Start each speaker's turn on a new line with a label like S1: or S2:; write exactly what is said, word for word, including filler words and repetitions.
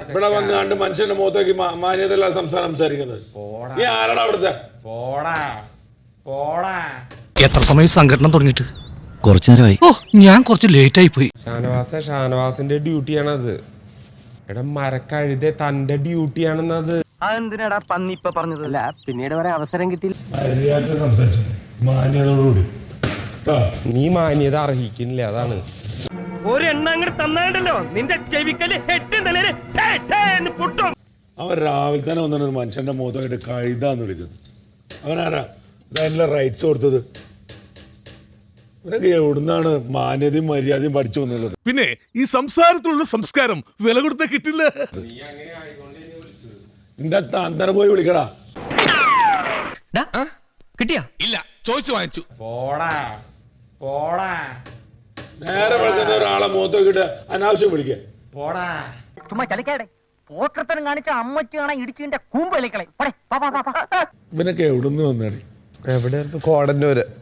S1: ഇവിടെ വന്ന് കണ്ട് മനുഷ്യന്റെ മുഖത്തേക്ക് മാന്യതല്ല സംസാരം സംസാരിക്കുന്നത്. ഈ ആരാടാ അവിടുത്തെ?
S2: എത്ര സമയം സംഘടന തുടങ്ങിയിട്ട്?
S3: കുറച്ചു നേരമായി.
S2: ഓ, ഞാൻ കുറച്ച് ലേറ്റ് ആയി പോയി.
S4: ഷാനവാസ ഷാനവാസിന്റെ ഡ്യൂട്ടിയാണത്. എടാ മരക്കഴുതേ തന്റെ ഡ്യൂട്ടിയാണെന്നത്.
S5: അതെന്തിനാടാ പന്നി ഇപ്പൊ പറഞ്ഞതല്ല, പിന്നീട് വരെ അവസരം കിട്ടിയില്ല.
S1: മാന്യതയോടുകൂടി
S4: നീ മാന്യത അർഹിക്കുന്നില്ല, അതാണ്.
S5: ഒരെണ്ണം അങ്ങോട്ട് തന്നാണ്ടല്ലോ നിന്റെ ചെവിക്കല് പൊട്ടും.
S1: അവൻ രാവിലെ തന്നെ വന്നിട്ട് ഒരു മനുഷ്യന്റെ മുഖത്തായിട്ട് കഴുതാന്ന് വിളിക്കുന്നു. അവനാരാ അതിനുള്ള റൈറ്റ്സ് കൊടുത്തത്? ഇവരൊക്കെ എവിടുന്നാണ് മാന്യതയും മര്യാദയും പഠിച്ചു വന്നുള്ളത്?
S6: പിന്നെ ഈ സംസാരത്തിലുള്ള സംസ്കാരം വില കൊടുത്ത കിട്ടില്ല.
S1: നിന്റെ താന്തന പോയി വിളിക്കടാ.
S5: കിട്ടിയാ?
S6: ഇല്ല, ചോദിച്ചു വാങ്ങിച്ചു.
S4: പോടാ പോടാ
S1: നേരെ വിളിക്കുന്ന ഒരാളെ മുഖത്തേക്കിട്ട് അനാവശ്യം വിളിക്കുക.
S4: പോടാ
S5: ചുമ്മാ ചലിക്കാടെ പോക്കർത്തനം കാണിച്ച അമ്മച്ചു കാണാൻ ഇടിച്ചിന്റെ കൂമ്പ് കളിക്കളെ.
S1: ഇവനൊക്കെ എവിടുന്ന് വന്നാണ്?
S4: എവിടെ കോടന്നൂര്.